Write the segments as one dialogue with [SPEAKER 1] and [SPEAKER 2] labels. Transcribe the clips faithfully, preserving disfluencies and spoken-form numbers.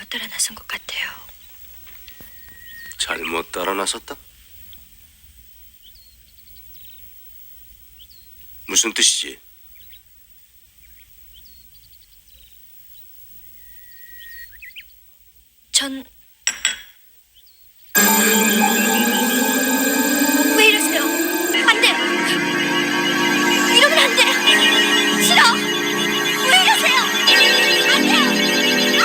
[SPEAKER 1] 잘못 따라 나선 것 같아요.
[SPEAKER 2] 잘못 따라 나섰다? 무슨 뜻이지?
[SPEAKER 1] 전... 왜 이러세요? 안 돼요! 이러면 안 돼요! 싫어! 왜 이러세요? 안 돼요!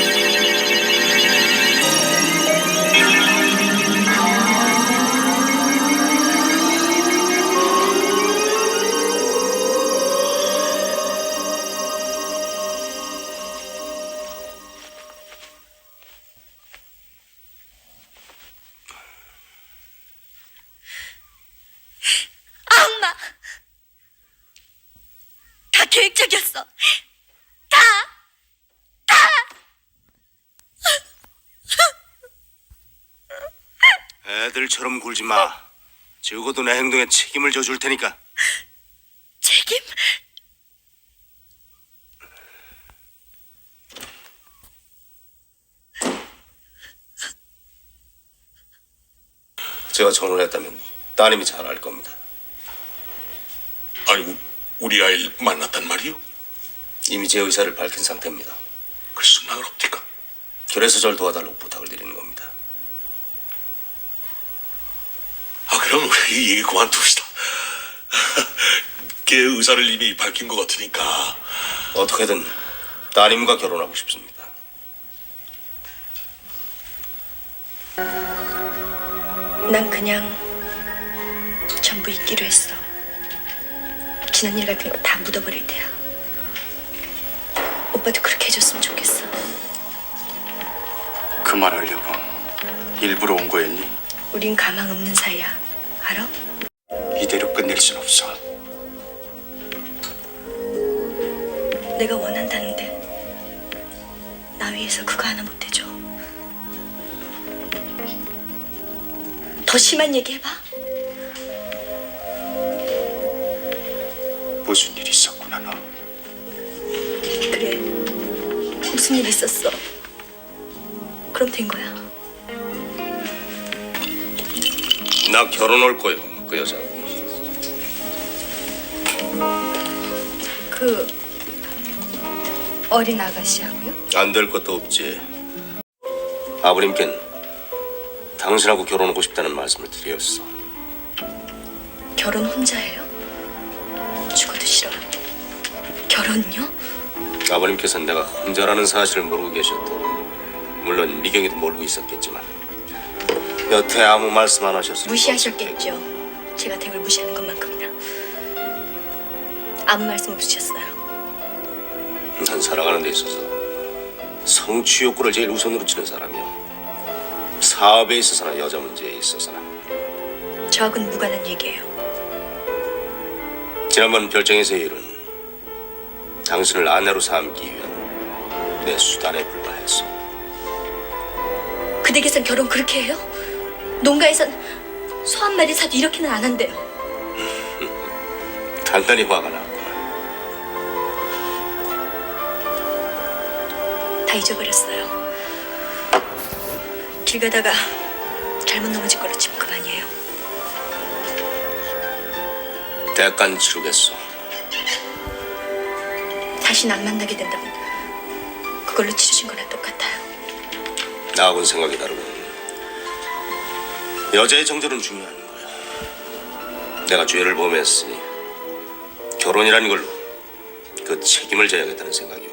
[SPEAKER 1] 악마! 다 계획적이었어! 다! 다!
[SPEAKER 2] 애들처럼 굴지 마. 적어도 내 행동에 책임을 져줄 테니까.
[SPEAKER 1] 책임?
[SPEAKER 2] 제가 전화를 했다면 따님이 잘 알 겁니다.
[SPEAKER 3] 아니, 우, 우리 아이를 만났단 말이요?
[SPEAKER 2] 이미 제 의사를 밝힌 상태입니다.
[SPEAKER 3] 그래서 나을 없디까?
[SPEAKER 2] 그래서 절 도와달라고 부탁을 드리는 겁니다.
[SPEAKER 3] 아, 그럼 우리 이 얘기 그만둡시다. 걔 의사를 이미 밝힌 것 같으니까.
[SPEAKER 2] 어떻게든 따님과 결혼하고 싶습니다.
[SPEAKER 1] 난 그냥 전부 잊기로 했어. 지난 일 같은 거 다 묻어버릴 테야. 오빠도 그렇게 해줬으면 좋겠어.
[SPEAKER 4] 그 말 하려고 일부러 온 거였니?
[SPEAKER 1] 우린 가망 없는 사이야. 알아?
[SPEAKER 4] 이대로 끝낼 순 없어.
[SPEAKER 1] 내가 원한다는데 나 위해서 그거 하나 못 해줘. 더 심한 얘기 해봐.
[SPEAKER 4] 무슨 일 있었구나 너.
[SPEAKER 1] 그래, 무슨 일 있었어. 그럼 된 거야.
[SPEAKER 2] 나 결혼할 거예요, 그 여자.
[SPEAKER 1] 그 어린 아가씨하고요?
[SPEAKER 2] 안 될 것도 없지. 아버님께는 당신하고 결혼하고 싶다는 말씀을 드렸어.
[SPEAKER 1] 결혼 혼자 해요? 죽어도 싫어요. 결혼요?
[SPEAKER 2] 아버님께서는 내가 혼자라는 사실을 모르고 계셨고, 물론 미경이도 모르고 있었겠지만 여태 아무 말씀 안 하셨을
[SPEAKER 1] 무시하셨겠죠. 제가 댁을 무시하는 것만큼이나. 아무 말씀 없으셨어요.
[SPEAKER 2] 난 살아가는 데 있어서 성취 욕구를 제일 우선으로 치는 사람이요. 사업에 있어서나 여자 문제에 있어서나.
[SPEAKER 1] 저하고는 무관한 얘기예요.
[SPEAKER 2] 지난번 별장에서의 일은 당신을 아내로 삼기 위한 내 수단에 불과했어.
[SPEAKER 1] 그 댁에선 결혼 그렇게 해요? 농가에선 소 한 마리 사도 이렇게는 안 한대요.
[SPEAKER 2] 단단히 화가 났구나.
[SPEAKER 1] 다 잊어버렸어요. 길 가다가 잘못 넘어진 걸로 치면 그만이에요.
[SPEAKER 2] 대가는 치르겠어.
[SPEAKER 1] 다시는 안 만나게 된다면 그걸로 치르신 거나 똑같아요.
[SPEAKER 2] 나하고는 생각이 다르고 여자의 정절은 중요한 거야. 내가 죄를 범했으니 결혼이라는 걸로 그 책임을 져야겠다는 생각이요.